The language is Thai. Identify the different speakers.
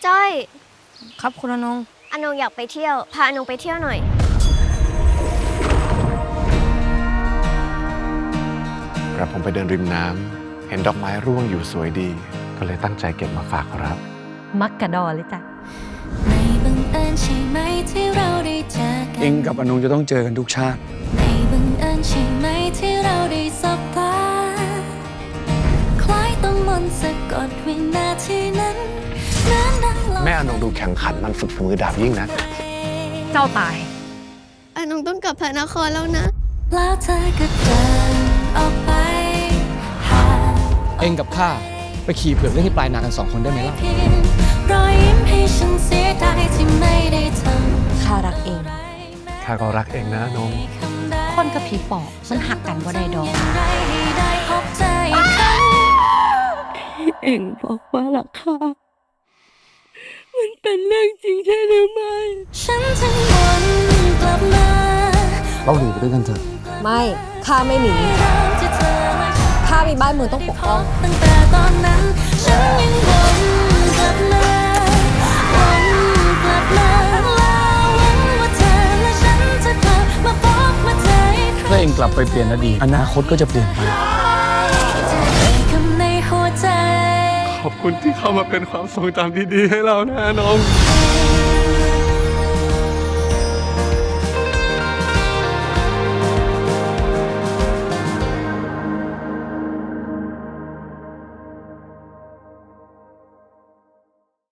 Speaker 1: จ้อย
Speaker 2: ครับคุณอนง
Speaker 1: อนงอยากไปเที่ยวพาอนงไปเที่ยวหน่อย
Speaker 3: กระผมไปเดินริมน้ำเห็นดอกไม้ร่วงอยู่สวยดี ก็เลยตั้งใจเก็บมาฝากครับ
Speaker 2: มักกะดอเลยจ้ะ
Speaker 4: ไม่บังเอิญใช่ไหมที่เราได้เจอกัน
Speaker 5: เองกับอนงจะต้องเจอกันทุกชาติ
Speaker 4: ไม่บังเอิญใช่ไหมที่เราได้สบตาคล้ายต้องมนต์สะกดวินาทีนั้น
Speaker 3: แม่อนงดูแข็งขันมันฝึกฝีมือดาบยิ่งนะ
Speaker 2: เจ้าตาย
Speaker 1: อนงต้องกลับพระนครแล้วนะ
Speaker 4: แล้วเธอก็เดินออกไปหา
Speaker 5: เองกับข้าไปขี่เผือกเล่นที่ปลายนากัน2 คนได้ไหมล่ะ
Speaker 4: เพียงรอยยิ้มให้ฉันเสียดายที่ไม่ได้ทำ
Speaker 2: ข้ารักเอง
Speaker 3: ข้าก็รักเองนะอนง
Speaker 2: คนกับผีปอบมันหักกันบ่ได้ดอก
Speaker 4: ให้ได้พบเจออีกครั้ง
Speaker 2: เอ็งบอกว่ารักข้ามันเป็นเรื่องจริงใช่หรือไม่
Speaker 4: ฉันจึงวนกลับมา
Speaker 5: เราหนีไปด้วยกันเถอะ
Speaker 2: ไม่ข้าไม่หนี
Speaker 4: เริ่มที่เธอและฉัน
Speaker 2: ข้ามีบ้านเมืองต้องปกป้อง
Speaker 4: ตั้งแต่ตอนนั้นฉันยังวนกลับมาวนกลับมาแล้วหวังว่าเธอและฉันจะกลับมาพบมาเจออีกครั้ง
Speaker 5: ถ้าเองกลับไปเปลี่ยนอดีตอนาคตก็จะเปลี่ยนไป
Speaker 4: คำในหัวใจ
Speaker 3: ขอบคุณที่เข้ามาเป็นความทรงจำดีๆให้เรานะน้อง
Speaker 4: ใคร